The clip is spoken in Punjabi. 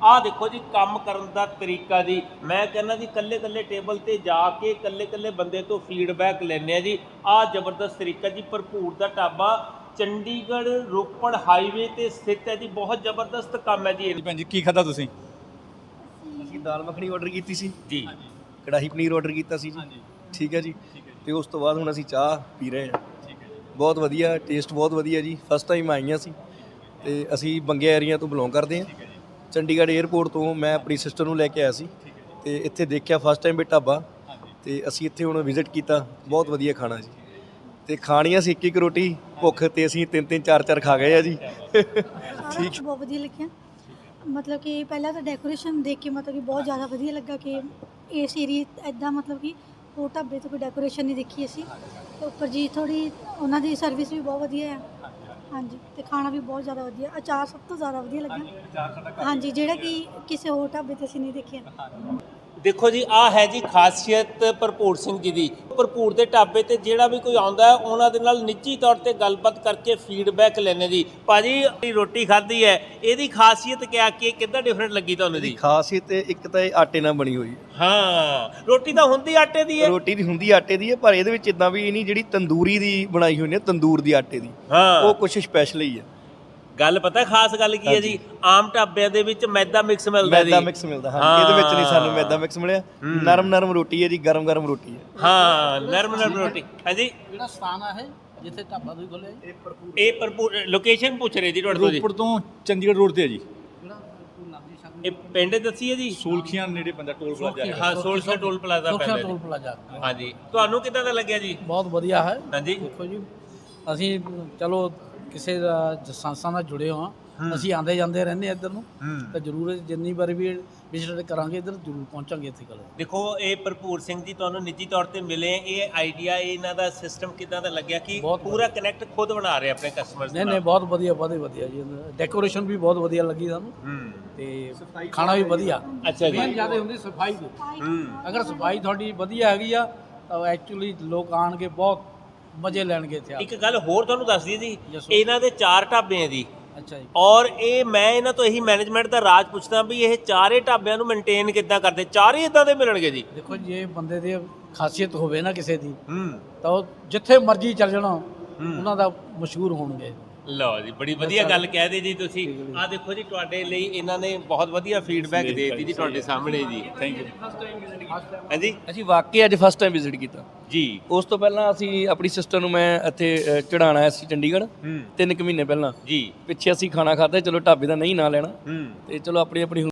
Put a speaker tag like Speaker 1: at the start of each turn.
Speaker 1: ਆਹ ਦੇਖੋ ਜੀ ਕੰਮ ਕਰਨ ਦਾ ਤਰੀਕਾ ਜੀ। ਮੈਂ ਕਹਿੰਦਾ ਜੀ ਕੱਲੇ ਕੱਲੇ ਟੇਬਲ ਤੇ ਜਾ ਕੇ ਕੱਲੇ ਕੱਲੇ ਬੰਦੇ ਤੋਂ ਫੀਡਬੈਕ ਲੈਂਦੇ ਆ ਜੀ। ਆਹ ਜ਼ਬਰਦਸਤ ਤਰੀਕਾ ਜੀ। ਭਰਪੂਰ ਦਾ ਢਾਬਾ ਚੰਡੀਗੜ੍ਹ ਰੋਪੜ ਹਾਈਵੇ ਤੇ ਸਥਿਤ ਹੈ ਜੀ। ਬਹੁਤ ਜ਼ਬਰਦਸਤ ਕੰਮ ਹੈ ਜੀ।
Speaker 2: ਭੈਣ ਜੀ ਕੀ ਖਾਧਾ ਤੁਸੀਂ?
Speaker 3: ਅਸੀਂ ਦਾਲ ਮੱਖਣੀ ਆਰਡਰ ਕੀਤੀ ਸੀ
Speaker 1: ਜੀ,
Speaker 3: ਕੜਾਹੀ ਪਨੀਰ ਆਰਡਰ ਕੀਤਾ ਸੀ ਜੀ। ਠੀਕ ਹੈ ਜੀ। ਤੇ ਉਸ ਤੋਂ ਬਾਅਦ ਹੁਣ ਅਸੀਂ ਚਾਹ ਪੀ ਰਹੇ ਹਾਂ। ਬਹੁਤ ਵਧੀਆ ਟੇਸਟ, ਬਹੁਤ ਵਧੀਆ ਜੀ। ਫਸਟ ਟਾਈਮ ਆਈਆਂ ਸੀ ਤੇ ਅਸੀਂ ਬੰਗੇ ਏਰੀਆ ਤੋਂ ਬਿਲੋਂਗ ਕਰਦੇ ਹਾਂ। ਚੰਡੀਗੜ੍ਹ 에ਅਰਪੋਰਟ ਤੋਂ ਮੈਂ ਆਪਣੀ ਸਿਸਟਰ ਨੂੰ ਲੈ ਕੇ ਆਇਆ ਸੀ ਤੇ ਇੱਥੇ ਦੇਖਿਆ ਫਸਟ ਟਾਈਮ ਵੀ ਢਾਬਾ, ਤੇ ਅਸੀਂ ਇੱਥੇ ਹੁਣ ਵਿਜ਼ਿਟ ਕੀਤਾ। ਬਹੁਤ ਵਧੀਆ ਖਾਣਾ ਜੀ। ਤੇ ਖਾਣੀਆਂ ਸੀ ਇੱਕ ਰੋਟੀ, ਭੁੱਖ ਤੇ ਅਸੀਂ 3-3 4-4 ਖਾ ਗਏ ਆ ਜੀ।
Speaker 4: ਠੀਕ, ਬਹੁਤ ਵਧੀਆ ਲੱਗਿਆ। ਮਤਲਬ ਕਿ ਪਹਿਲਾਂ ਤਾਂ ਡੈਕੋਰੇਸ਼ਨ ਦੇਖ ਕੇ ਮਤਲਬ ਕਿ ਬਹੁਤ ਜ਼ਿਆਦਾ ਵਧੀਆ ਲੱਗਾ ਕਿ ਇਸ ਏਰੀਏ ਇੱਦਾਂ ਮਤਲਬ ਕਿ ਹੋਰ ਢਾਬੇ ਤੋਂ ਕੋਈ ਡੈਕੋਰੇਸ਼ਨ ਨਹੀਂ ਦੇਖੀ ਅਸੀਂ। ਤੇ ਉੱਪਰ ਜੀ ਥੋੜ੍ਹੀ ਉਹਨਾਂ ਦੀ ਸਰਵਿਸ ਵੀ ਬਹੁਤ ਵਧੀਆ ਹੈ। ਹਾਂਜੀ, ਤੇ ਖਾਣਾ ਵੀ ਬਹੁਤ ਜ਼ਿਆਦਾ ਵਧੀਆ। ਅਚਾਰ ਸਭ ਤੋਂ ਜ਼ਿਆਦਾ ਵਧੀਆ ਲੱਗਾ। ਹਾਂਜੀ, ਜਿਹੜਾ ਕਿ ਕਿਸੇ ਹੋਰ ਢਾਬੇ 'ਤੇ ਅਸੀਂ ਨਹੀਂ ਦੇਖਿਆ।
Speaker 1: ਦੇਖੋ ਜੀ ਆਹ ਹੈ ਜੀ ਖਾਸੀਅਤ ਭਰਪੂਰ ਸਿੰਘ ਜੀ ਦੀ। ਭਰਪੂਰ ਦੇ ਢਾਬੇ ਤੇ ਜਿਹੜਾ ਵੀ ਕੋਈ ਆਉਂਦਾ ਹੈ ਉਹਨਾਂ ਦੇ ਨਾਲ ਨਿੱਜੀ ਤੌਰ ਤੇ ਗੱਲਬਾਤ ਕਰਕੇ ਫੀਡਬੈਕ ਲੈਣੇ ਜੀ। ਭਾਜੀ ਰੋਟੀ ਖਾਧੀ ਹੈ, ਇਹਦੀ ਖਾਸੀਅਤ ਕਿਆ ਕੀ, ਕਿੱਦਾਂ ਡਿਫਰੈਂਟ ਲੱਗੀ ਤੁਹਾਨੂੰ ਜੀ?
Speaker 3: ਖਾਸੀਅਤ ਇੱਕ ਤਾਂ ਇਹ ਆਟੇ ਨਾਲ ਬਣੀ ਹੋਈ ਹੈ।
Speaker 1: ਹਾਂ, ਰੋਟੀ ਤਾਂ ਹੁੰਦੀ ਆਟੇ ਦੀ ਹੈ।
Speaker 3: ਰੋਟੀ ਦੀ ਹੁੰਦੀ ਆਟੇ ਦੀ ਹੈ, ਪਰ ਇਹਦੇ ਵਿੱਚ ਇਦਾਂ ਵੀ ਨਹੀਂ, ਜਿਹੜੀ ਤੰਦੂਰੀ ਦੀ ਬਣਾਈ ਹੋਈ ਨੇ, ਤੰਦੂਰ ਦੀ ਆਟੇ ਦੀ,
Speaker 1: ਹਾਂ,
Speaker 3: ਉਹ ਕੁਛ ਸਪੈਸ਼ਲ ਹੀ ਹੈ।
Speaker 1: ਗੱਲ ਪਤਾ ਖਾਸ ਗੱਲ ਕੀ ਹੈ ਜੀ? ਆਮ ਢਾਬਿਆਂ ਦੇ ਵਿੱਚ ਮੈਦਾ ਮਿਕਸ ਮਿਲਦਾ ਜੀ।
Speaker 3: ਮੈਦਾ ਮਿਕਸ ਮਿਲਦਾ, ਹਾਂ। ਇਹਦੇ ਵਿੱਚ ਨਹੀਂ ਸਾਨੂੰ ਮੈਦਾ ਮਿਕਸ ਮਿਲਿਆ। ਨਰਮ ਨਰਮ ਰੋਟੀ ਹੈ ਜੀ, ਗਰਮ ਗਰਮ ਰੋਟੀ ਹੈ।
Speaker 1: ਹਾਂ, ਨਰਮ ਨਰਮ ਰੋਟੀ ਹੈ ਜੀ।
Speaker 5: ਜਿਹੜਾ ਸਥਾਨ ਆ ਇਹ ਜਿੱਥੇ ਢਾਬਾ ਤੁਸੀਂ ਖੋਲ੍ਹਿਆ ਜੀ,
Speaker 1: ਇਹ ਭਰਪੂਰ ਲੋਕੇਸ਼ਨ ਪੁੱਛ ਰਹੇ ਜੀ ਤੁਹਾਡੇ ਤੋਂ ਜੀ।
Speaker 2: ਰੋਪੜ ਤੋਂ ਚੰਡੀਗੜ੍ਹ ਰੋਡ ਤੇ ਹੈ ਜੀ।
Speaker 5: ਜਿਹੜਾ ਭਰਪੂਰ ਨਾਭੀ ਸ਼ਾਮ
Speaker 1: ਇਹ ਪਿੰਡ ਦੱਸੀ ਹੈ ਜੀ?
Speaker 2: ਸੂਲਖੀਆਂ ਨੇੜੇ ਪੈਂਦਾ, ਟੋਲ ਪਲਾਜ਼ਾ ਹੈ।
Speaker 1: ਹਾਂ, ਸੋਲਖਾ ਟੋਲ ਪਲਾਜ਼ਾ ਪੈਂਦਾ
Speaker 5: ਟੋਲ
Speaker 1: ਜੀ।
Speaker 5: ਪਲਾਜ਼ਾ।
Speaker 1: ਹਾਂਜੀ, ਤੁਹਾਨੂੰ ਕਿੱਦਾਂ ਦਾ ਲੱਗਿਆ ਜੀ?
Speaker 5: ਬਹੁਤ ਵਧੀਆ ਹੈ।
Speaker 1: ਹਾਂਜੀ,
Speaker 5: ਦੇਖੋ ਜੀ, ਅਸੀਂ ਚਲੋ ਕਿਸੇ ਸੰਸਥਾ ਨਾਲ ਜੁੜੇ ਹੋ ਹਾਂ। ਅਸੀਂ ਆਉਂਦੇ ਜਾਂਦੇ ਰਹਿੰਦੇ ਇੱਧਰ ਨੂੰ, ਤਾਂ ਜ਼ਰੂਰ ਜਿੰਨੀ ਵਾਰੀ ਵੀ ਵਿਜ਼ਿਟ ਕਰਾਂਗੇ ਇੱਧਰ ਜ਼ਰੂਰ ਪਹੁੰਚਾਂਗੇ ਇੱਥੇ। ਗੱਲ
Speaker 1: ਦੇਖੋ ਇਹ ਭਰਪੂਰ ਸਿੰਘ ਜੀ ਤੁਹਾਨੂੰ ਨਿੱਜੀ ਤੌਰ ਤੇ ਮਿਲੇ, ਇਹ ਆਈਡੀਆ ਇਹਨਾਂ ਦਾ ਸਿਸਟਮ ਕਿੱਦਾਂ ਦਾ ਲੱਗਿਆ ਕਿ ਪੂਰਾ ਕਨੈਕਟ ਖੁਦ ਬਣਾ ਰਹੇ ਆਪਣੇ ਕਸਟਮਰਸ
Speaker 5: ਨਹੀਂ ਬਹੁਤ ਵਧੀਆ, ਬਹੁਤ ਵਧੀਆ ਜੀ। ਡੈਕੋਰੇਸ਼ਨ ਵੀ ਬਹੁਤ ਵਧੀਆ ਲੱਗੀ ਸਾਨੂੰ, ਤੇ ਖਾਣਾ ਵੀ ਵਧੀਆ।
Speaker 1: ਅੱਛਾ ਜੀ।
Speaker 5: ਮੇਨ ਜ਼ਿਆਦਾ ਹੁੰਦੀ ਸਫਾਈ ਦੀ। ਅਗਰ ਸਫਾਈ ਤੁਹਾਡੀ ਵਧੀਆ ਹੈਗੀ ਆ ਤਾਂ ਐਕਚੁਅਲੀ ਲੋਕ ਆਣਗੇ, ਬਹੁਤ ਮਜ਼ੇ ਲੈਣਗੇ ਇੱਥੇ।
Speaker 1: ਇੱਕ ਗੱਲ ਹੋਰ ਤੁਹਾਨੂੰ ਦੱਸ ਦਈਏ ਜੀ, ਇਹਨਾਂ ਦੇ 4 ਢਾਬੇ ਆ ਜੀ।
Speaker 5: ਅੱਛਾ ਜੀ।
Speaker 1: ਔਰ ਇਹ ਮੈਂ ਇਹਨਾਂ ਤੋਂ ਇਹੀ ਮੈਨੇਜਮੈਂਟ ਦਾ ਰਾਜ ਪੁੱਛਦਾ ਵੀ ਇਹ ਚਾਰੇ ਢਾਬਿਆਂ ਨੂੰ ਮੇਨਟੇਨ ਕਿੱਦਾਂ ਕਰਦੇ? ਚਾਰੇ ਇਦਾਂ ਦੇ ਮਿਲਣਗੇ ਜੀ?
Speaker 5: ਦੇਖੋ ਜੇ ਬੰਦੇ ਦੀ ਖਾਸੀਅਤ ਹੋਵੇ ਨਾ ਕਿਸੇ ਦੀ, ਤਾਂ ਉਹ ਜਿੱਥੇ ਮਰਜ਼ੀ ਚੱਲ ਜਾਣਾ ਉਹਨਾਂ ਦਾ ਮਸ਼ਹੂਰ ਹੋਣਗੇ।
Speaker 1: ਲਓ ਜੀ, ਬੜੀ ਵਧੀਆ ਗੱਲ ਕਹਿ ਦੇ ਜੀ ਤੁਸੀਂ। ਆਹ ਦੇਖੋ ਜੀ, ਤੁਹਾਡੇ ਲਈ ਇਹਨਾਂ ਨੇ ਬਹੁਤ ਵਧੀਆ ਫੀਡਬੈਕ ਦੇ ਦਿੱਤੀ ਜੀ ਤੁਹਾਡੇ ਸਾਹਮਣੇ ਜੀ।
Speaker 2: Thank you.
Speaker 1: ਹਾਂਜੀ
Speaker 3: ਅਸੀਂ ਵਾਕਈ ਅੱਜ ਫਸਟ ਟਾਈਮ ਵਿਜ਼ਿਟ ਕੀਤਾ
Speaker 1: ਜੀ।
Speaker 3: ਉਸ ਤੋਂ ਪਹਿਲਾਂ ਅਸੀਂ ਆਪਣੀ ਸਿਸਟਰ ਨੂੰ ਮੈਂ ਇੱਥੇ ਚੜਾਉਣ ਆਇਆ ਸੀ ਚੰਡੀਗੜ੍ਹ 3 ਕੁ ਮਹੀਨੇ ਪਹਿਲਾਂ।
Speaker 1: ਜੀ
Speaker 3: ਪਿੱਛੇ ਅਸੀਂ ਖਾਣਾ ਖਾਧਾ, ਚਲੋ ਢਾਬੇ ਦਾ ਨਹੀਂ ਨਾਂ ਲੈਣਾ, ਤੇ ਚਲੋ ਆਪਣੀ ਆਪਣੀ